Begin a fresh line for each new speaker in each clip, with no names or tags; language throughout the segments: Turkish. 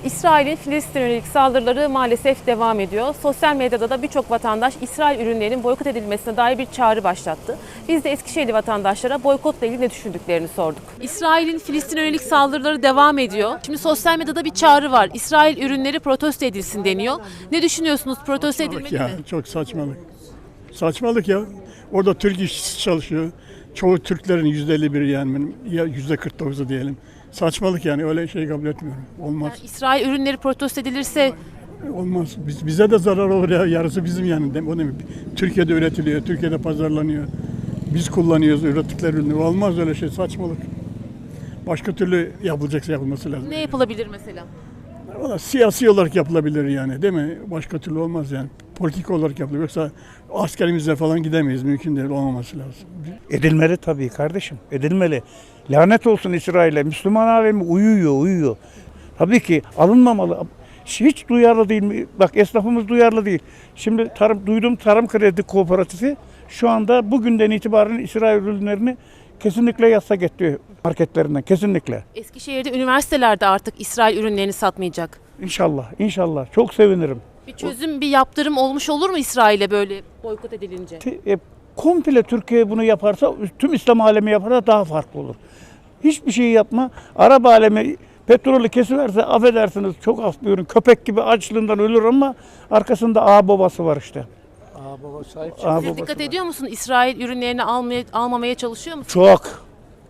İsrail'in Filistin'e yönelik saldırıları maalesef devam ediyor. Sosyal medyada da birçok vatandaş İsrail ürünlerinin boykot edilmesine dair bir çağrı başlattı. Biz de Eskişehirli vatandaşlara boykotla ilgili ne düşündüklerini sorduk. İsrail'in Filistin'e yönelik saldırıları devam ediyor. Şimdi sosyal medyada bir çağrı var. İsrail ürünleri protesto edilsin deniyor. Ne düşünüyorsunuz? Protesto edilmeli
Ya,
mi?
çok saçmalık. Saçmalık ya. Orada Türk işçisi çalışıyor. Çoğu Türklerin %51'i yani ya %49'u diyelim. Saçmalık yani öyle şey kabul etmiyorum. Olmaz.
Yani İsrail ürünleri protesto edilirse
Olmaz. Bize de zarar olur ya. Yarısı bizim yani. O demek. Türkiye'de üretiliyor. Türkiye'de pazarlanıyor. Biz kullanıyoruz ürettikleri ürünü. Olmaz öyle şey. Saçmalık. Başka türlü yapılacaksa yapılması lazım.
ne yapılabilir mesela?
Valla siyasi olarak yapılabilir yani değil mi? Başka türlü olmaz yani. Politik olarak yapılır. Yoksa askerimizle falan gidemeyiz. Mümkün değil. Olmaması lazım.
Edilmeli tabii kardeşim, edilmeli. Lanet olsun İsrail'e. Müslüman alemi uyuyor. Tabii ki alınmamalı. Hiç duyarlı değil mi? Bak esnafımız duyarlı değil. Şimdi duydum Tarım Kredi Kooperatifi şu anda bugünden itibaren İsrail ürünlerini kesinlikle yasak etti marketlerinden. Kesinlikle.
Eskişehir'de üniversitelerde artık İsrail ürünlerini satmayacak.
İnşallah. Çok sevinirim.
Bir çözüm, bir yaptırım olmuş olur mu İsrail'e böyle boykot edilince?
Komple Türkiye bunu yaparsa, tüm İslam alemi yaparsa daha farklı olur. Hiçbir şey yapma. Arap alemi petrolü kesiverse affedersiniz çok af buyurun. Köpek gibi açlığından ölür ama arkasında ağa babası var işte.
Baba sahip
Siz dikkat ediyor musun? İsrail ürünlerini almamaya çalışıyor musun?
Çok.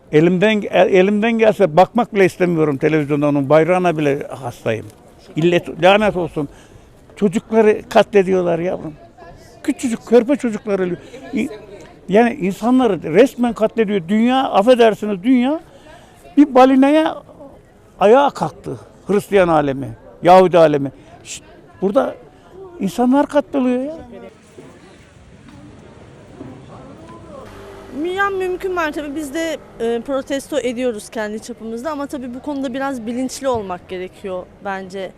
Elimden gelse bakmak bile istemiyorum televizyonda onun bayrağına bile hastayım. Lanet olsun. Çocukları katlediyorlar yavrum. Küçücük körpe çocuklar ölüyor. Yani insanları resmen katlediyor. Affedersiniz dünya bir balinaya ayağa kalktı. Hristiyan alemi, Yahudi alemi. Burada insanlar katlediliyor ya.
Yani mümkün mertebe biz de protesto ediyoruz kendi çapımızda ama tabii bu konuda biraz bilinçli olmak gerekiyor bence.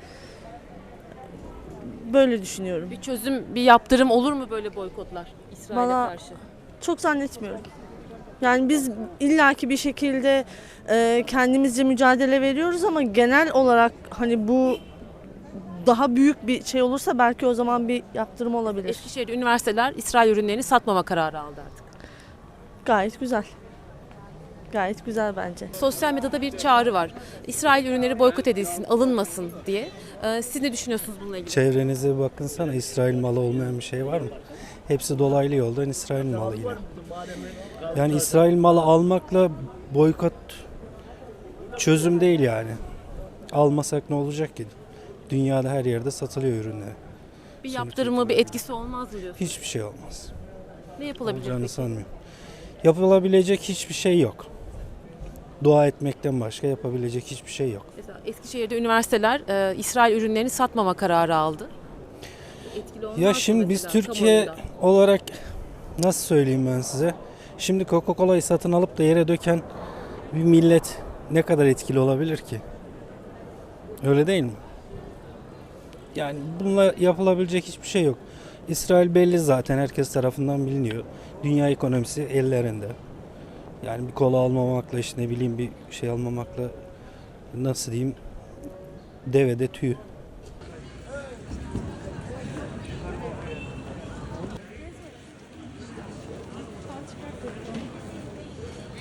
Böyle düşünüyorum.
Bir çözüm, bir yaptırım olur mu böyle boykotlar İsrail'e
Bana-
karşı?
Çok zannetmiyorum. Yani biz illaki bir şekilde kendimizce mücadele veriyoruz ama genel olarak hani bu daha büyük bir şey olursa belki o zaman bir yaptırım olabilir.
Eskişehir'de üniversiteler İsrail ürünlerini satmama kararı aldı artık.
Gayet güzel. Gayet güzel bence.
Sosyal medyada bir çağrı var. İsrail ürünleri boykot edilsin, alınmasın diye. Siz ne düşünüyorsunuz bununla ilgili?
Çevrenize bir bakınsana, İsrail malı olmayan bir şey var mı? Hepsi dolaylı yoldan İsrail malı yine. Yani İsrail malı almakla boykot çözüm değil yani. Almasak ne olacak ki? Dünyada her yerde satılıyor ürünler.
Bir yaptırımı, bir etkisi olmaz mı diyorsunuz?
Hiçbir şey olmaz.
Ne yapılabilir
Olacağını
peki?
sanmıyorum. Yapılabilecek hiçbir şey yok. Dua etmekten başka yapabilecek hiçbir şey yok.
Mesela Eskişehir'de üniversiteler İsrail ürünlerini satmama kararı aldı. Etkili olmaz
Ya
mı
şimdi biz
mesela
Türkiye
kamuoyunda?
olarak nasıl söyleyeyim ben size? Şimdi Coca-Cola'yı satın alıp da yere döken bir millet ne kadar etkili olabilir ki? Öyle değil mi? Yani bununla yapılabilecek hiçbir şey yok. İsrail belli zaten herkes tarafından biliniyor. Dünya ekonomisi ellerinde. Yani bir kola almamakla işte ne bileyim bir şey almamakla nasıl diyeyim devede tüy.